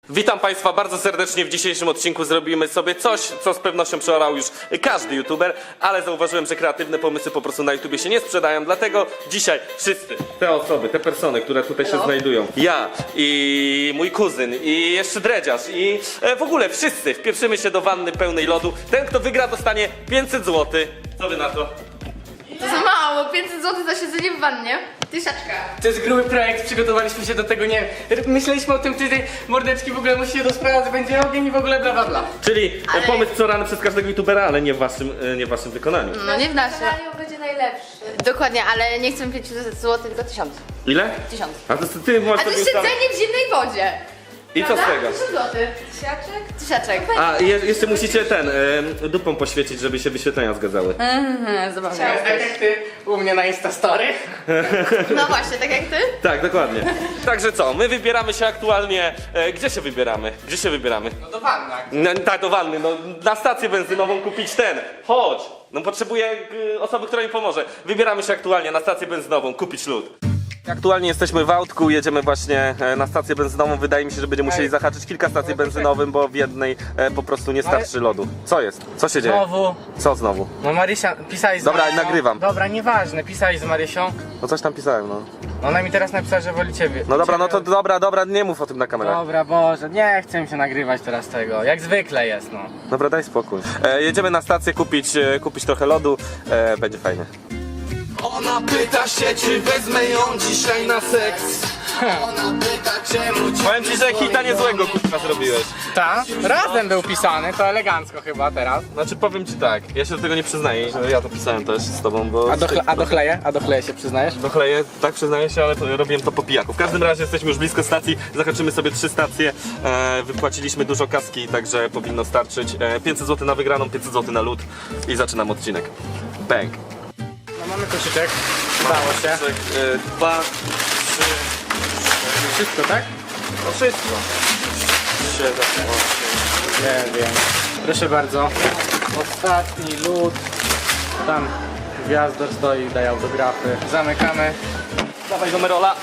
Witam Państwa bardzo serdecznie. W dzisiejszym odcinku zrobimy sobie coś, co z pewnością przeorał już każdy youtuber, ale zauważyłem, że kreatywne pomysły po prostu na YouTubie się nie sprzedają, dlatego dzisiaj wszyscy te osoby, te persony, które tutaj się znajdują, ja i mój kuzyn i jeszcze dredziarz i w ogóle wszyscy wpieprzymy się do wanny pełnej lodu. Ten, kto wygra, dostanie 500 zł. Co wy na to? To za mało, 500 zł za siedzenie w wannie. Tysiaczka. To jest gruby projekt, przygotowaliśmy się do tego, nie wiem. Myśleliśmy o tym tydzień, mordeczki w ogóle musi się dosprowadzać, będzie ogień i w ogóle bla bla bla. Czyli pomysł przeorany przez każdego youtubera, ale nie w waszym wykonaniu. No nie w naszym. Scenariusz będzie najlepszy. Dokładnie, ale nie chcę 500 zł, tylko 1000. Ile? 1000. A to ty możesz A to sobie jest siedzenie w zimnej wodzie. I co z tego? 1000 zł. Tysiaczek? Tysiaczek. A jeszcze musicie dupą poświecić, żeby się wyświetlenia zgadzały. Zabawne. Tak jak ty u mnie na Instastory. No właśnie, tak jak ty? Tak, dokładnie. Także co, my wybieramy się aktualnie. Gdzie się wybieramy? Gdzie się wybieramy? No do wanna. Tak, do wanny, no na stację benzynową kupić ten. Chodź! No potrzebuję osoby, która mi pomoże. Wybieramy się aktualnie na stację benzynową, kupić lód. Aktualnie jesteśmy w autku, jedziemy właśnie na stację benzynową. Wydaje mi się, że będziemy musieli zahaczyć kilka stacji benzynowych, bo w jednej po prostu nie starczy lodu. Co jest? Co się dzieje? Znowu. Co znowu? No Marysia, pisałeś z Dobra, Marysią. nagrywam. Dobra, nieważne, pisałeś z Marysią. No coś tam pisałem, no. Ona mi teraz napisała, że woli ciebie. No dobra, no to dobra, nie mów o tym na kamerach. Dobra, Boże, nie chcę mi się nagrywać teraz tego. Jak zwykle jest, no. Dobra, daj spokój. Jedziemy na stację kupić trochę lodu, będzie fajnie. Ona pyta się, czy wezmę ją dzisiaj na seks. Ona pyta, czemu ci... Powiem ci, że hita niezłego kurwa zrobiłeś. Ta? Razem był pisany, to elegancko chyba teraz. Znaczy powiem ci tak, ja się do tego nie przyznaję, że ja to pisałem też z tobą, bo... A do chleje się przyznajesz? Dochleję, tak przyznaję się, ale robiłem to po pijaku. W każdym razie jesteśmy już blisko stacji, zahaczymy sobie 3 stacje, wypłaciliśmy dużo kaski, także powinno starczyć. 500 zł na wygraną, 500 zł na lód i zaczynam odcinek. Bang. No mamy koszyczek, udało się. 2, 3, Wszystko, tak? no wszystko. 7, 8. Nie wiem. Proszę bardzo. Ostatni lód. Tam gwiazdor stoi, daje autografy. Zamykamy. Dawaj do Merola.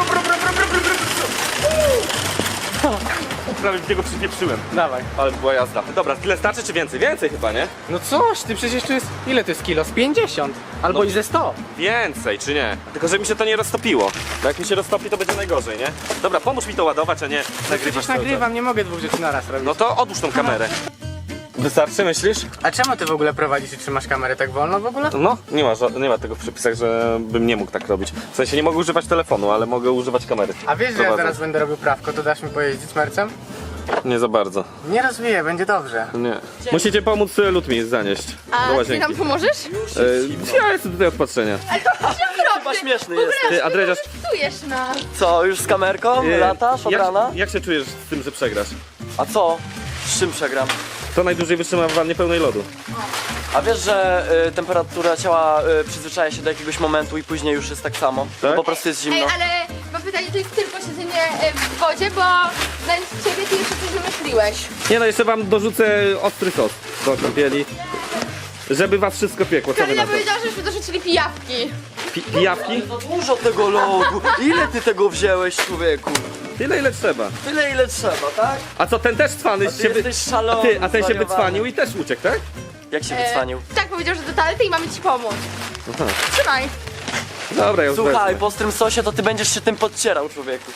Prawie w niego przypieprzyłem. Dawaj. Ale była jazda. Dobra, tyle starczy czy więcej? Więcej chyba, nie? No coś, ty przecież tu jest... Ile to jest kilo? Z 50. Albo i ze 100. Więcej, czy nie? Tylko, że mi się to nie roztopiło. Bo jak mi się roztopi, to będzie najgorzej, nie? Dobra, pomóż mi to ładować, a nie nagrywasz Przecież cały nagrywam, nie mogę 2 rzeczy naraz robić. czas. No to odłóż tą kamerę. Wystarczy, myślisz? A czemu ty w ogóle prowadzisz i trzymasz kamerę tak wolno w ogóle? No, nie ma tego w przepisach, że bym nie mógł tak robić. W sensie nie mogę używać telefonu, ale mogę używać kamery. A wiesz, że ja Prowadząc. zaraz będę robił prawko, to dasz mi pojeździć mercem? Nie za bardzo. Nie rozwiję, będzie dobrze. Nie. Musicie pomóc lód mi zanieść do A ty łazienki. nam pomożesz? Ja jestem tutaj od patrzenia. Chyba śmieszny jest. Ty, a dredziarz, Czujesz nas. Co, już z kamerką? Latasz od rana? jak się czujesz z tym, że przegrasz? A co? Z czym przegram? To najdłużej wytrzyma w wannie pełnej lodu. A wiesz, że temperatura ciała przyzwyczaja się do jakiegoś momentu i później już jest tak samo? Tak? Po prostu jest zimno. Ej, ale mam pytanie, to jest tylko siedzenie w wodzie, bo znając ciebie ty jeszcze coś wymyśliłeś. Nie no, jeszcze wam dorzucę ostry sos do kąpieli. Żeby was wszystko piekło, co wy na Karolina to? powiedziała, żeśmy dorzucili pijawki. Pijawki? To dużo tego lodu. Ile ty tego wzięłeś, człowieku? Tyle ile trzeba. Tyle ile trzeba, tak? A co, ten też cwany ty jesteś szalony, A ten się zwariowany. wycwanił i też uciekł, tak? Jak się wycwanił? Tak, powiedział, że do toalety i mamy ci pomóc. Aha. Trzymaj. Dobra, ja już Słuchaj, wezmę. po ostrym sosie to ty będziesz się tym podcierał, człowieku.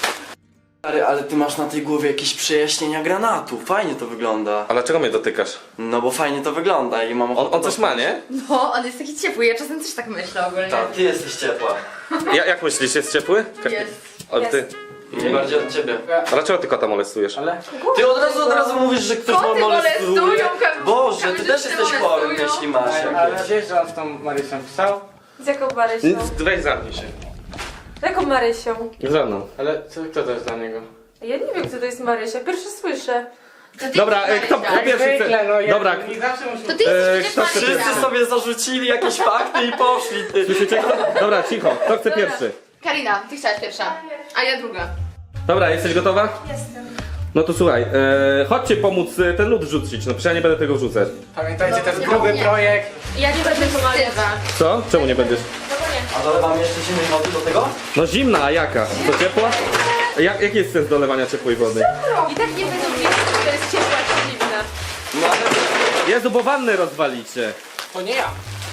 Ale ty masz na tej głowie jakieś przejaśnienia granatu. Fajnie to wygląda. A dlaczego mnie dotykasz? No bo fajnie to wygląda i mam ochotę On coś ma, nie? No, on jest taki ciepły, ja czasem też tak myślę ogólnie. Tak, ty jesteś ciepła. Jak myślisz, jest ciepły? Jest. Ale ty. Nie bardziej od ciebie. A dlaczego ty kota molestujesz? Ale... Ty od razu mówisz, że ktoś Koty ma molestuje. molestują, Boże, ty kamerzyste też jesteś chory, molestują. jeśli masz Ale jakieś. wiesz, że on z tą Marysią pisał? Z jaką Marysią? Weź zamknij się. Z jaką Marysią? Za mną. Ale kto to jest dla niego? Ja nie wiem, kto to jest Marysia. Pierwszy słyszę. To ty Dobra, jesteś kto Marysia. pierwszy chce? Zwykle, no ja Dobra. nie zawsze muszę... To ty jesteś kto przecież chce Marysia. Wszyscy sobie zarzucili jakieś fakty i poszli, ty. Słyszycie? Dobra, cicho. Kto chce pierwszy? Karina, ty chciałaś pierwsza, a ja druga. Dobra, jesteś gotowa? Jestem. No to słuchaj, chodźcie pomóc ten lód wrzucić, no przecież ja nie będę tego wrzucać. Pamiętajcie, to jest nie, gruby nie. projekt. Ja nie będę pomagać. Co? Czemu nie będziesz? A dolewam jeszcze zimnej wody do tego? No zimna, a jaka? To ciepła? Jaki jest sens dolewania ciepłej wody? I tak nie będą wiedzieć, czy to jest ciepła czy zimna. No ale... Jezu, bo wannę rozwalicie. To nie ja.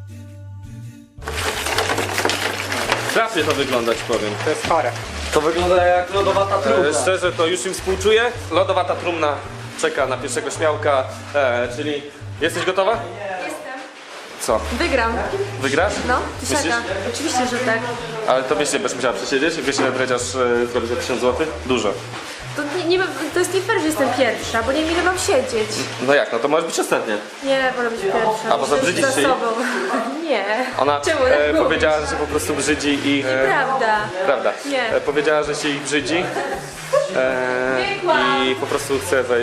Strasznie to wygląda, ci powiem. To jest chore. To wygląda jak lodowata trumna. Szczerze, to już im współczuję. Lodowata trumna czeka na pierwszego śmiałka, czyli... Jesteś gotowa? Jestem. Co? Wygram. Wygrasz? No, Myślisz? tysiaka. Oczywiście, że tak. Ale to wiesz, nie będziesz musiała przesiedzieć? Wiesz, ile dredziarz zrobi za 1000 zł? Dużo. To jest nie fair, że jestem pierwsza, bo nie wiem ile mam siedzieć. No jak, no to możesz być ostatnia. Nie, wolę być pierwsza. A, bo zabrzydzisz za się jej? sobą. Nie. Ona Czemu tak mówisz? powiedziała, że się po prostu brzydzi i... Prawda. Prawda. Nie. Powiedziała, że się ich brzydzi i po prostu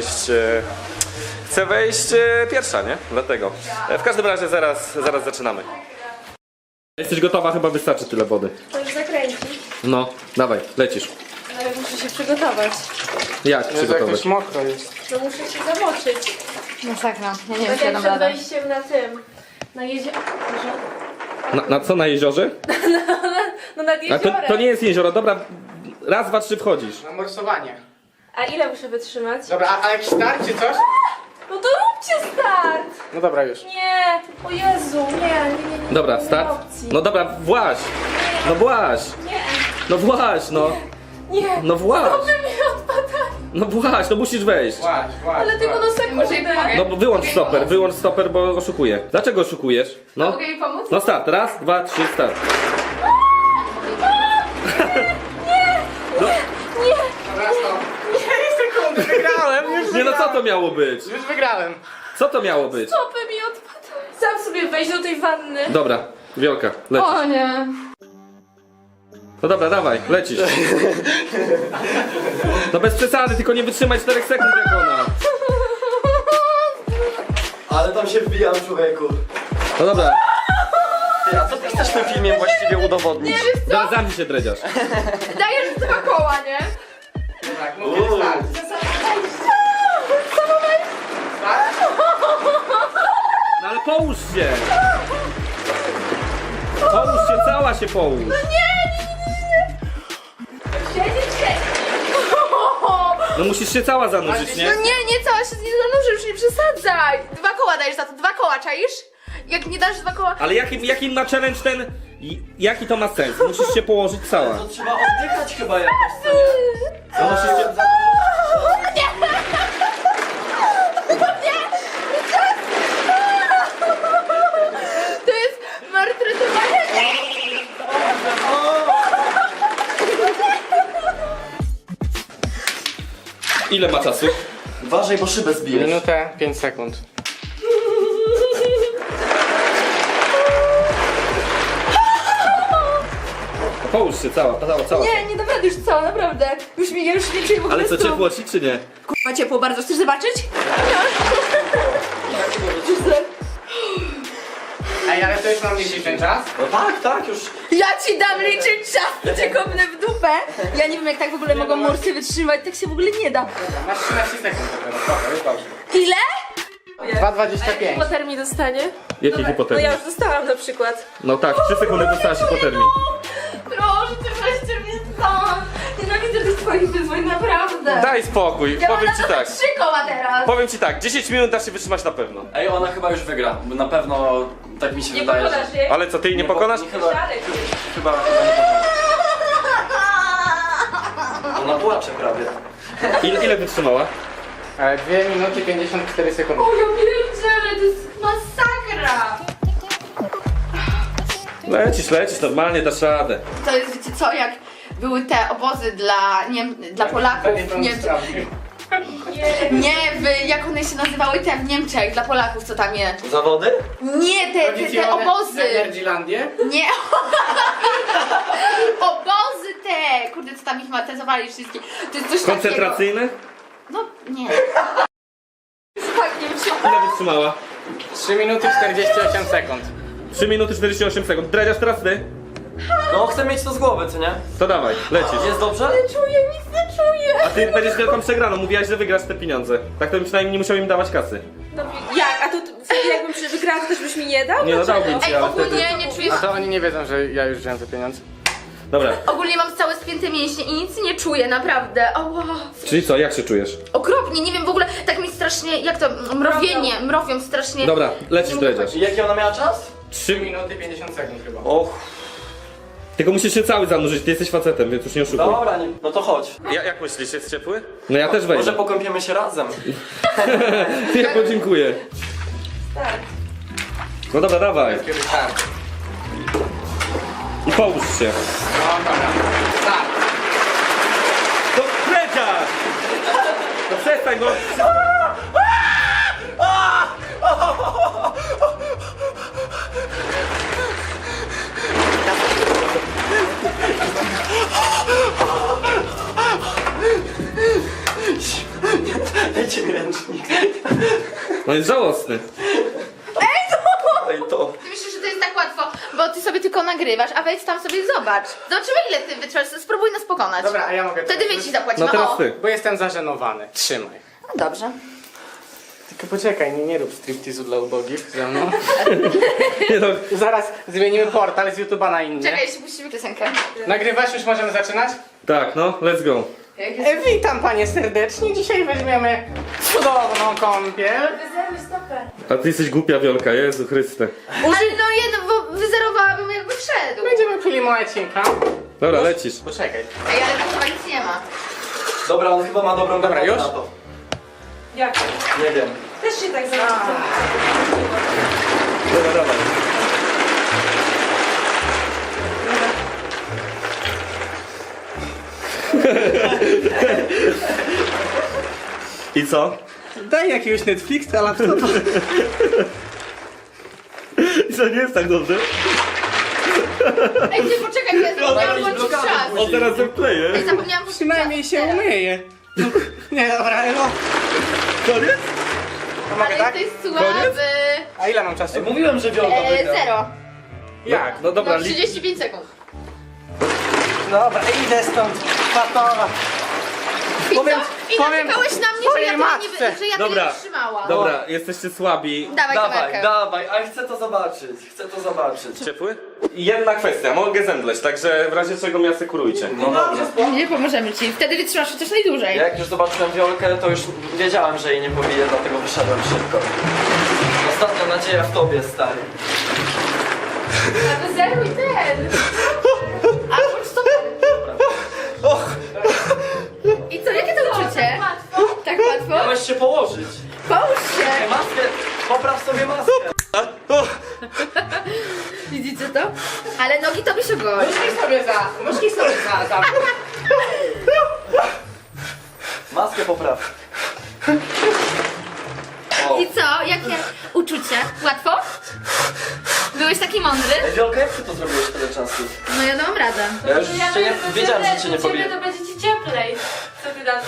chce wejść pierwsza, nie? Dlatego. W każdym razie zaraz zaczynamy. Jesteś gotowa? Chyba wystarczy tyle wody. To już zakręci. No, dawaj, lecisz. Ale muszę się przygotować. Jak Jezu, przygotować? jakoś mokro jest. To muszę się zamoczyć. Masakra. Ja nie wiem, Tak czy ja jak dam przed radę. wejściem na tym. Na jeziorze. Na co, na jeziorze? No nad A jeziorem. to nie jest jezioro, dobra, raz, dwa, trzy wchodzisz. Na morsowanie. A ile muszę wytrzymać? Dobra, a jakiś start czy coś? No to róbcie start! No dobra już. Nie! O Jezu, nie. Dobra, nie start. ma opcji. No dobra, właź. No właź. Nie, No właź, no. nie. No właź. Stopy mi odpadają. No właź, no musisz wejść. Właśnie. Ale tylko na sekundę. No bo wyłącz stoper, bo oszukuję. Dlaczego oszukujesz? No. Mogę jej pomóc? No start, raz, dwa, trzy, start. Dobra, stop. 4 sekundy, wygrałem. Nie no, co to miało być? Już wygrałem. Co to miało być? Stopy mi odpadają. Sam sobie wejść do tej wanny. Dobra, Wiolka, lecisz. O nie. No dobra, dawaj, lecisz. No bez przesady, tylko nie wytrzymaj 4 sekund jak ona. Ale tam się wbijam, człowieku. No dobra, Ty, a co ty chcesz tym filmiem właściwie udowodnić? zaraz zamknij się, dredziarz. Dajesz 2 koła, nie? Tak, mówię start. No ale połóż się. Połóż się, cała się połóż. No musisz się cała zanurzyć, nie? No nie, cała się nie zanurzy, już nie przesadzaj. 2 koła dajesz za to, 2 koła, czaisz? Jak nie dasz 2 koła... Ale jaki ma challenge ten... Jaki to ma sens? Musisz się położyć cała. To trzeba oddychać chyba jakoś, co nie? No musisz się... To jest maltretowanie. Ile ma czasu? Uważaj, bo szybę zbijesz. Minutę, 5 sekund. Połóż się cała. Nie, nie dam rady już cała, naprawdę. Ja już nie czuję w ogóle Ale co, stóp. ciepło ci czy nie? Kurwa ciepło bardzo, chcesz zobaczyć? Ej, ale to już mam liczyć ten czas? No tak, już. Ja ci dam liczyć czas, cię kopnę w dupę. Ja nie wiem jak tak w ogóle mogą morsy wytrzymać, tak się w ogóle nie da. Masz 13 sekund dopiero, dobra, już dobrze. Ile? 2,25. Hipotermii dostanie? Jakiej No hipotermii? ja już dostałam na przykład. No tak, 3 sekundy dostałaś hipotermii. Proszę, ty weźcie mnie stąd. Nienawidzę tych twoich wyzwań, naprawdę. Daj spokój, Ja mam powiem na ci to tak. 3 koła teraz. Powiem ci tak, 10 minut dasz się wytrzymać na pewno. Ej, ona chyba już wygra. Bo na pewno tak mi się Nie wydaje. pokonasz jej? Ale co, ty jej nie pokonasz? Chyba Siadaj. nie pokona. Ona płacze prawie. Ile wytrzymała? 2 minuty 54 sekundy. O ja pierdzielę, to jest masakra. Lecisz, normalnie dasz radę. To jest, wiecie co, jak były te obozy dla Polaków w Niemczech. Nie, jak one się nazywały te w Niemczech, dla Polaków, co tam je. Zawody? Nie, te obozy. Energylandię? Nie. Obozy te. Kurde, co tam ich matezowali wszystkie. To jest coś Koncentracyjne? takiego. No, nie. Tak, nie wiem, Ile wytrzymała? 3 minuty 48 sekund. 3 minuty 48 sekund. Dredziarz, teraz ty? No chcę mieć to z głowy, co nie? To dawaj, lecisz. Jest dobrze? czuję, nic nie czuję. A ty będziesz wielką przegraną, mówiłaś, że wygrasz te pieniądze. Tak to bym przynajmniej nie musiał im dawać kasy. No jak? A to wtedy jakbym wygrała, to też byś mi nie dał? Nie no, Dlaczego? dałbym ci, Ej, ale wtedy... ogólnie nie czujesz... A to oni nie wiedzą, że ja już wziąłem te pieniądze. Dobra, Ogólnie mam całe spięte mięśnie i nic nie czuję, naprawdę. Ała. czyli co, jak się czujesz? Okropnie, nie wiem w ogóle, tak mi strasznie, jak to, mrowią strasznie. Dobra, lecisz, Nie mogę dredziarz. I jaki ona miała czas? 3 minuty 50 sekund chyba. Och, Tylko musisz się cały zanurzyć, ty jesteś facetem, więc już nie oszukuj. dobra, nie, no to chodź. Jak myślisz, jest ciepły? No ja też wejdę. Może pokąpiemy się razem. Ja podziękuję. No dobra, dawaj. Tak. I połóż się. No dobra. Tak. No dredziarz! No przestań, bo... Dajcie mi ręcznik. No jest żałosny. Ej, to. Ty myślisz, że to jest tak łatwo, bo ty sobie tylko nagrywasz, a wejdź tam sobie zobacz. Zobaczymy ile ty wytrwasz, spróbuj nas pokonać. Dobra, a ja mogę Wtedy my ci zapłacimy, No teraz o. ty. Bo jestem zażenowany. Trzymaj. No dobrze. Tylko poczekaj, nie rób striptizu dla ubogich ze mną. Nie no, Zaraz zmienimy portal z YouTube'a na inny. Czekaj, jeszcze puścimy piosenkę. Nagrywasz? Już możemy zaczynać? tak, no, let's go. Witam panie serdecznie. Dzisiaj weźmiemy cudowną kąpiel. A ty jesteś głupia, Wiolka, Jezu Chryste. Ale no jedno, bo wyzerowałabym jakby wszedł. Będziemy pili molecinka. Dobra, lecisz. Poczekaj. Ej, ale tu chyba nic nie ma. Dobra, on chyba ma dobrą Dobra, granatę już? na to. Jak? Nie wiem. Też się tak zrobiło. Dobra, dawaj. I co? Daj jakiegoś Netflixa, laptopa. I co, nie jest tak dobrze? Ej, ty poczekaj, ja zapomniałam włączyć czas. On teraz zakleje. Ej, zapomniałam włączyć Przynajmniej czas się teraz. umyje. Nie, dobra, no. Koniec? To mogę Ale tak? jesteś słaby. A ile mam czasu? Ej, mówiłem, że Wiolka wygra. 0. Jak? No dobra, No 35 sekund. Dobra, idę stąd. Patowa. I Powiem- co? I powiem narzekałeś na mnie, że ja twojej tyle matce. nie, że ja tyle Dobra. nie trzymałam. Dobra, jesteście słabi. Dawaj Dawaj, kamerkę. dawaj, ale chcę to zobaczyć. Chcę to zobaczyć. Ciepły? Jedna kwestia, mogę zemdleć, także w razie czego mnie asekurujcie. No dobrze. Nie pomożemy ci, wtedy wytrzymasz chociaż najdłużej. Jak już zobaczyłem Wiolkę, to już wiedziałem, że jej nie pobiję, dlatego wyszedłem szybko. Ostatnia nadzieja w tobie, stary. A wyzeruj ten. A bądź to I co, jakie to uczucie? Tak łatwo? Miałeś się położyć. Połóż się. Maskę, popraw sobie maskę. Widzicie to? Ale nogi to byś ogolił. Nóżki sobie za. Maskę popraw. O. I co? Jakie uczucie? Łatwo? Byłeś taki mądry? Ej, Wiolka, jak ty to zrobiłeś tyle czasu? No ja dam radę. Ja już cię nie, wiedziałem, że cię nie Ciebie pobiję. to będzie ci cieplej. Co ty na to?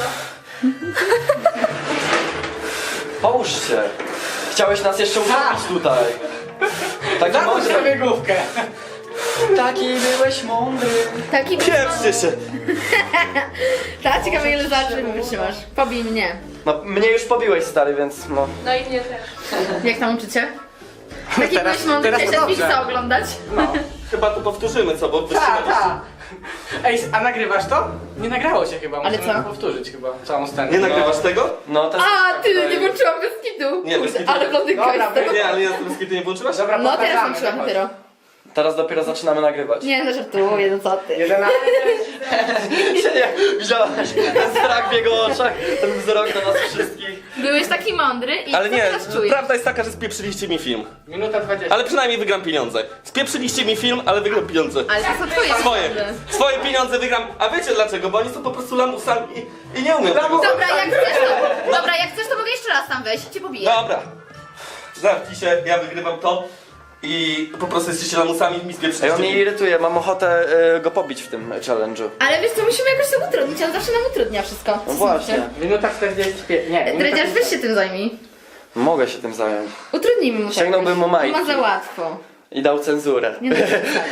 Połóż się. Chciałeś nas jeszcze utopić tutaj. Taki Zamknij mądry. sobie główkę. Taki byłeś mądry. Taki Pieprzcie się! Tak, ciekawe ile zobaczymy wytrzymasz. Pobij mnie. No, mnie już pobiłeś, stary, więc no. No i mnie też. Jak tam uczycie? Taki Teraz- byłeś mądry, teraz chciałeś to dobrze. Netflixa oglądać? No. Chyba to powtórzymy, co, bo wytrzymaliście. Ej, a nagrywasz to? Nie nagrało się chyba, Ale musimy co? powtórzyć chyba całą scenę. Nie nagrywasz tego? No, też A, ty, nie włączyłam bez kitu. Nie, bez kitu. Ale blondynka Dobra, jest tego. Nie, ale ja z ty nie włączyłaś? Dobra, No teraz powtarzamy, włączyłam chodź. dopiero. Teraz dopiero zaczynamy nagrywać. Nie, no żartuję, no co ty. 11. Widziałaś ten strach w jego oczach, ten wzrok na nas wszystkich. Byłeś taki mądry i Ale co nie, teraz czujesz? prawda jest taka, że spieprzyliście mi film. Minuta 20. Ale przynajmniej wygram pieniądze. Spieprzyliście mi film, ale wygram pieniądze. Ale to są twoje Swoje. pieniądze. Swoje pieniądze wygram. A wiecie dlaczego? Bo oni są po prostu lamusami i nie umiem tego. Dobra, jak chcesz, to mogę jeszcze raz tam wejść, cię pobiję. Dobra. Zamknij się, ja wygrywam to. I po prostu jesteście lamusami i mi Ej, spieprzyliście on mnie film. irytuje, mam ochotę go pobić w tym challenge'u. Ale wiesz co, musimy jakoś to utrudnić, on zawsze nam utrudnia wszystko. No właśnie. Minuta 45. Nie, minuta Dredziarz, weź się tym zajmij. Mogę się tym zająć. Utrudnijmy mu to Sięgnąłbym jakoś. mu majtki. Ma za łatwo. I dał cenzurę. Nie no,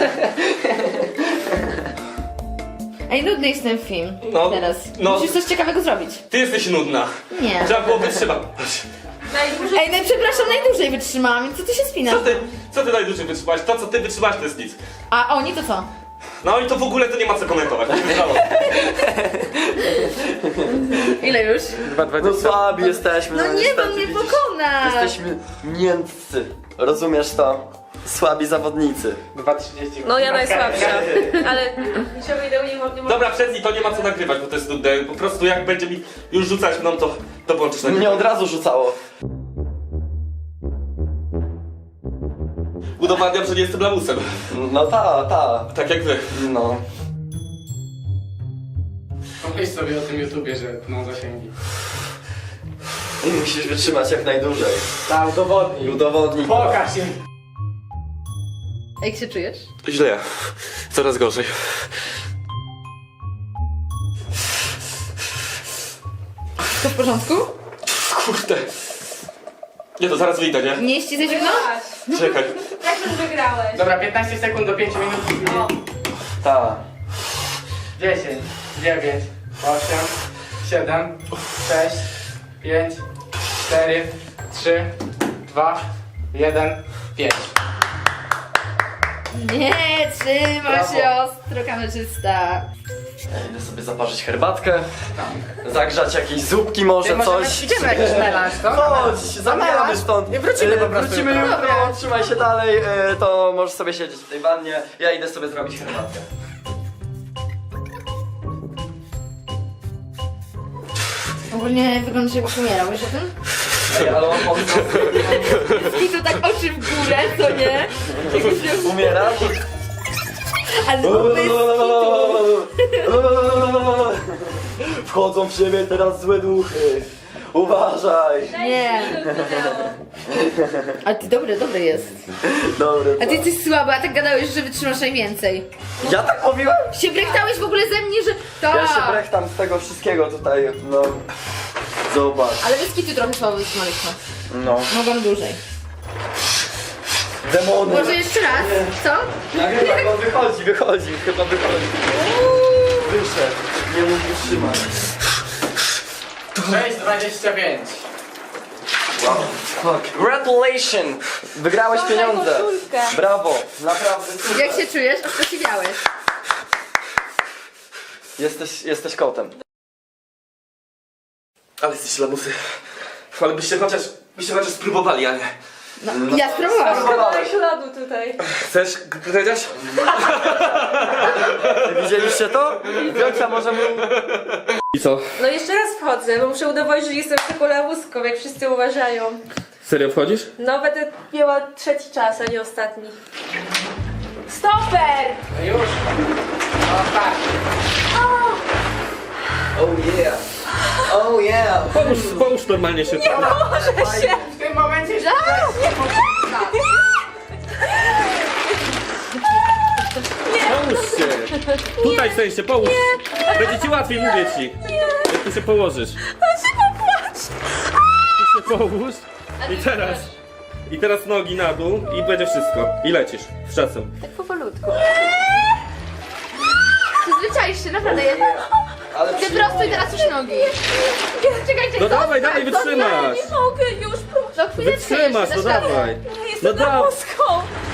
Ej, nudny jest ten film. No, Teraz. no. Musisz coś ciekawego zrobić. Ty jesteś nudna. Nie. Trzeba było wytrzymać. Najdłużej Ej, no przepraszam, najdłużej wytrzymałam, co ty się spinasz? Co ty najdłużej wytrzymałaś? To co ty wytrzymałaś to jest nic. A oni to co? No i to w ogóle to nie ma co komentować. Ile już? No słabi jesteśmy. No nie, niestety, bo mnie widzisz? pokonasz. Jesteśmy miętcy. Rozumiesz to? Słabi zawodnicy. 2,30. No ja najsłabsza. Ale niciego wideo nie mogę. Dobra, przez to nie ma co nagrywać, bo to jest nudne. Po prostu jak będzie mi już rzucać mną, to włączysz Mnie nagrywanie. od razu rzucało. Udowadniam, że nie jestem lamusem. No ta. Tak jak wy. No. Pomyśl sobie o tym YouTubie, że ma zasięgi. I musisz wytrzymać jak najdłużej. Tak, udowodnij. Udowodnij. Pokaż im. Jak się czujesz? Źle. Coraz gorzej. To w porządku? Kurde. Nie, to zaraz wyjdę, nie? Nie ściskać zimno? Czekaj. Jak już wygrałeś? Dobra, 15 sekund do 5 minut. O, Ta. 10, 9, 8, 7, 6, 5, 4, 3, 2, 1, 5. Nie, trzyma Brawo. się ostro, kamerzysta. Ja idę sobie zaparzyć herbatkę. Zagrzać jakieś zupki może coś. Idziemy na jakiś melanż, to? Chodź, zabieramy stąd. Nie wrócimy po prostu Wrócimy jutro. jutro, trzymaj się dalej, to możesz sobie siedzieć w tej wannie. Ja idę sobie zrobić herbatkę. Ogólnie wyglądasz jakbyś umierał, wiesz o tym? Ej, ale on I to tak oczy w górę, co nie? Jakbyś miał... umierasz? Ale to jest Wchodzą w siebie teraz złe duchy. Uważaj. Nie. Ale ty dobry jest. Dobry. A ty jesteś słaby, a tak gadałeś, że wytrzymasz najwięcej. Ja tak mówiłem? Się brechtałeś w ogóle ze mnie, że... Ja się Tak. brechtam z tego wszystkiego tutaj, no. Zobacz. Ale wyskitu trochę słabo wytrzymaliśmy. No. Mogłam dłużej. Demony. Może jeszcze raz? Co? Nagrywa go, wychodzi, chyba wychodzi. Wyszedł, nie mógł wytrzymać. 6,25. Wow. Fuck. Congratulations! Wygrałeś pieniądze. koszulkę. Brawo, naprawdę super. Jak się czujesz? Osiwiałeś. Jesteś kotem. Ale jesteście lamusy. Ale byście chociaż spróbowali, a nie. No, ja spróbowałam. Kawałek lodu tutaj. Chcesz, Dredziarz? Widzieliście to? Wiocia może mu... I co? No jeszcze raz wchodzę, bo muszę udowodnić, że jestem taką lawuską, jak wszyscy uważają. Serio wchodzisz? No będę miała trzeci czas, a nie ostatni. Stoper! No już. O tak. Oh yeah. Oh yeah. Połóż normalnie się. W tym momencie się... Połóż się. Tutaj w sensie, połóż. Będzie ci łatwiej, mówię ci. Jak tu się położysz. Tu się połóż. I teraz nogi na dół i będzie wszystko. I lecisz. Z czasem. Tak powolutku. Przyzwyczaisz się, naprawdę. Ale Ty prosto i teraz już nogi. Czekajcie, No dawaj, wytrzymasz. Nie mogę już, proszę. No chwileczkę Wytrzymasz, jeszcze, no dasz radę. dawaj. Ja No jestem dawaj. lawuską.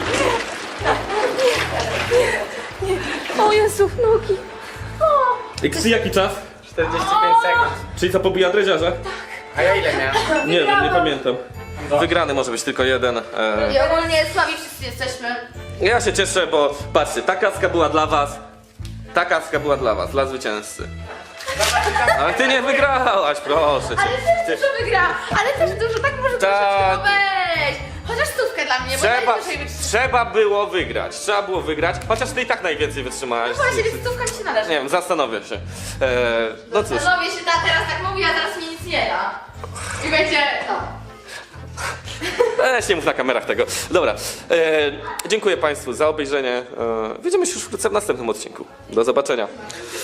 Nie. O Jezu, nogi. I jaki czas? 45 sekund. Czyli co, pobija dreziarza? A ja ile miałem? Nie wiem, nie pamiętam. Wygrany może być tylko jeden. I ogólnie słabi wszyscy jesteśmy. Ja się cieszę, bo patrzcie, ta kaska była dla was. Ta kaska była dla was, dla zwycięzcy. Ale ty nie wygrałaś, proszę cię. Ale też dużo wygra. Ale też dużo, tak może Tak. troszeczkę, no weź. Chociaż stówkę dla mnie, bo najwyżej wytrzymać. Trzeba było wygrać, chociaż ty i tak najwięcej wytrzymałaś. Właśnie, więc stówka mi się należy. Nie wiem, zastanowię się. No cóż, Panowie się teraz tak mówi, a teraz mi nic nie da. I będzie, no. nie mów na kamerach tego. Dobra, dziękuję Państwu za obejrzenie. Widzimy się już wkrótce w następnym odcinku. Do zobaczenia.